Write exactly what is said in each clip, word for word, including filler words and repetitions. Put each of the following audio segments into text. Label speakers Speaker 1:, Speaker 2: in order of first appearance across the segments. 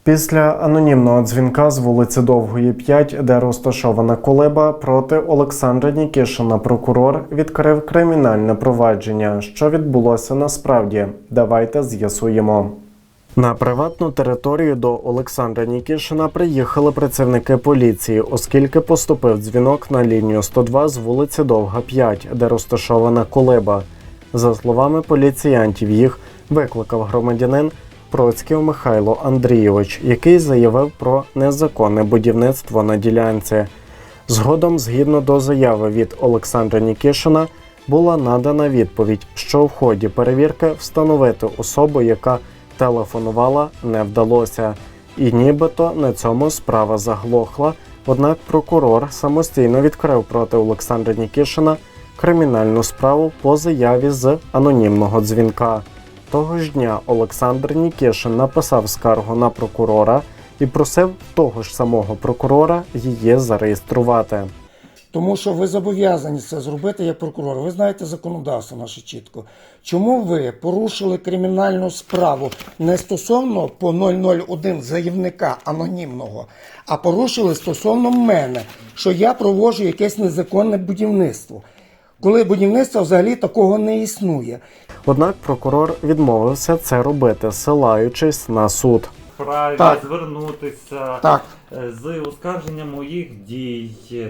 Speaker 1: Після анонімного дзвінка з вулиці Довгої, п'ять, де розташована колиба, проти Олександра Нікішина прокурор відкрив кримінальне провадження. Що відбулося насправді? Давайте з'ясуємо. На приватну територію до Олександра Нікішина приїхали працівники поліції, оскільки поступив дзвінок на лінію сто два з вулиці Довга, п'ять, де розташована колиба. За словами поліціянтів, їх викликав громадянин Процьків Михайло Андрійович, який заявив про незаконне будівництво на ділянці. Згодом, згідно до заяви від Олександра Нікішина, була надана відповідь, що в ході перевірки встановити особу, яка телефонувала, не вдалося. І нібито на цьому справа заглохла, однак прокурор самостійно відкрив проти Олександра Нікішина кримінальну справу по заяві з анонімного дзвінка. Того ж дня Олександр Нікішин написав скаргу на прокурора і просив того ж самого прокурора її зареєструвати.
Speaker 2: Тому що ви зобов'язані це зробити як прокурор. Ви знаєте законодавство наше чітко. Чому ви порушили кримінальну справу не стосовно по нуль нуль один заявника анонімного, а порушили стосовно мене, що я проводжу якесь незаконне будівництво? Коли будівництва взагалі такого не існує.
Speaker 1: Однак прокурор відмовився це робити, ссилаючись на суд.
Speaker 3: Вправі
Speaker 2: Так.
Speaker 3: звернутися
Speaker 2: Так.
Speaker 3: з оскарженням моїх дій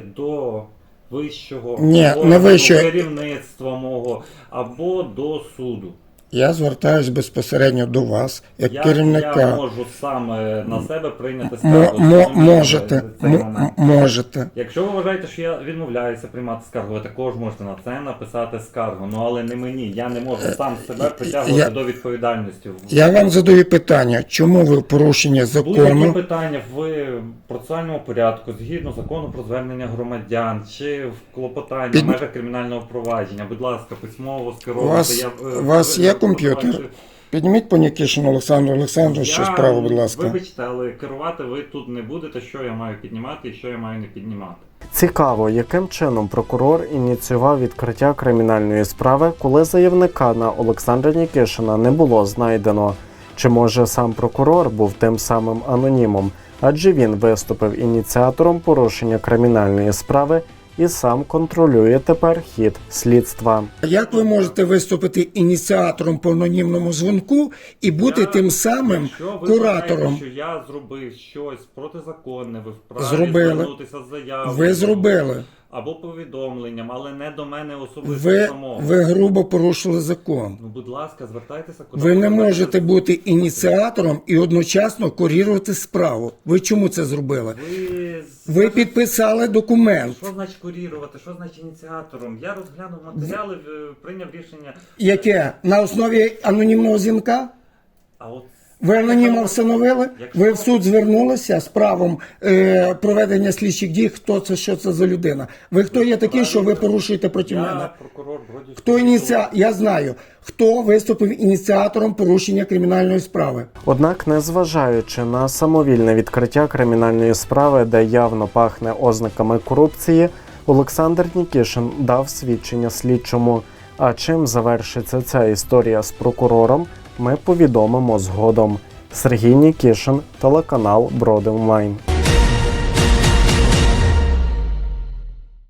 Speaker 3: до вищого
Speaker 2: Ні,
Speaker 3: органу,
Speaker 2: не вищого.
Speaker 3: керівництва мого або до суду.
Speaker 2: Я звертаюсь безпосередньо до вас, як
Speaker 3: Я,
Speaker 2: керівника.
Speaker 3: я можу саме на себе прийняти
Speaker 2: М-
Speaker 3: скаргу.
Speaker 2: мо-
Speaker 3: Тому
Speaker 2: можете,
Speaker 3: цей
Speaker 2: м-
Speaker 3: момент.
Speaker 2: можете.
Speaker 3: Якщо ви вважаєте, що я відмовляюся приймати скаргу, ви також можете на це написати скаргу. Ну але не мені. Я не можу сам себе притягувати
Speaker 2: Я-
Speaker 3: до відповідальності.
Speaker 2: Я вам задаю питання, чому ви в порушення
Speaker 3: Будь-які
Speaker 2: закону?
Speaker 3: питання в процесуальному порядку, згідно закону про звернення громадян, чи в клопотанні
Speaker 2: Під-
Speaker 3: в межах кримінального провадження, будь ласка, письмово
Speaker 2: У
Speaker 3: скеровувати.
Speaker 2: вас,
Speaker 3: Я, е,
Speaker 2: у вас
Speaker 3: ви-
Speaker 2: є
Speaker 3: ви-
Speaker 2: комп'ютер?
Speaker 3: ви-
Speaker 2: Підніміть по Нікішину Олександру Олександровичу
Speaker 3: Я-
Speaker 2: справу, будь ласка.
Speaker 3: Вибачте, але керувати ви тут не будете, що я маю піднімати і що я маю не піднімати.
Speaker 1: Цікаво, яким чином прокурор ініціював відкриття кримінальної справи, коли заявника на Олександра Нікішина не було знайдено. Чи може сам прокурор був тим самим анонімом, адже він виступив ініціатором порушення кримінальної справи і сам контролює тепер хід слідства.
Speaker 2: Як ви можете виступити ініціатором по анонімному дзвінку і бути
Speaker 3: Я-
Speaker 2: тим самим
Speaker 3: Якщо ви
Speaker 2: куратором?
Speaker 3: вважаєте, що я зробив щось протизаконне, ви вправі
Speaker 2: Зробили.
Speaker 3: звернутися з заявою.
Speaker 2: Ви зробили.
Speaker 3: Або повідомленням, але не до мене особисто
Speaker 2: Ви,
Speaker 3: самого.
Speaker 2: ви грубо порушили закон.
Speaker 3: Ну, будь ласка, звертайтеся куди.
Speaker 2: Ви не
Speaker 3: хочете.
Speaker 2: можете бути ініціатором і одночасно курувати справу. Ви чому це зробили?
Speaker 3: Ви,
Speaker 2: Ви підписали документ,
Speaker 3: Що значить курірувати? Що значить ініціатором? Я розглянув матеріали, е, прийняв рішення.
Speaker 2: яке на основі анонімного дзвінка?
Speaker 3: А от
Speaker 2: Ви анонімно встановили? Ви в суд звернулися з правом е, проведення слідчих дій, хто це, що це за людина? Ви хто є такий, що ви порушуєте проти мене?
Speaker 3: я прокурор Бродівського.
Speaker 2: Хто ініціа... Я знаю, хто виступив ініціатором порушення кримінальної справи.
Speaker 1: Однак, незважаючи на самовільне відкриття кримінальної справи, де явно пахне ознаками корупції, Олександр Нікішин дав свідчення слідчому. А чим завершиться ця історія з прокурором, ми повідомимо згодом. Сергій Нікішин, телеканал Брод онлайн.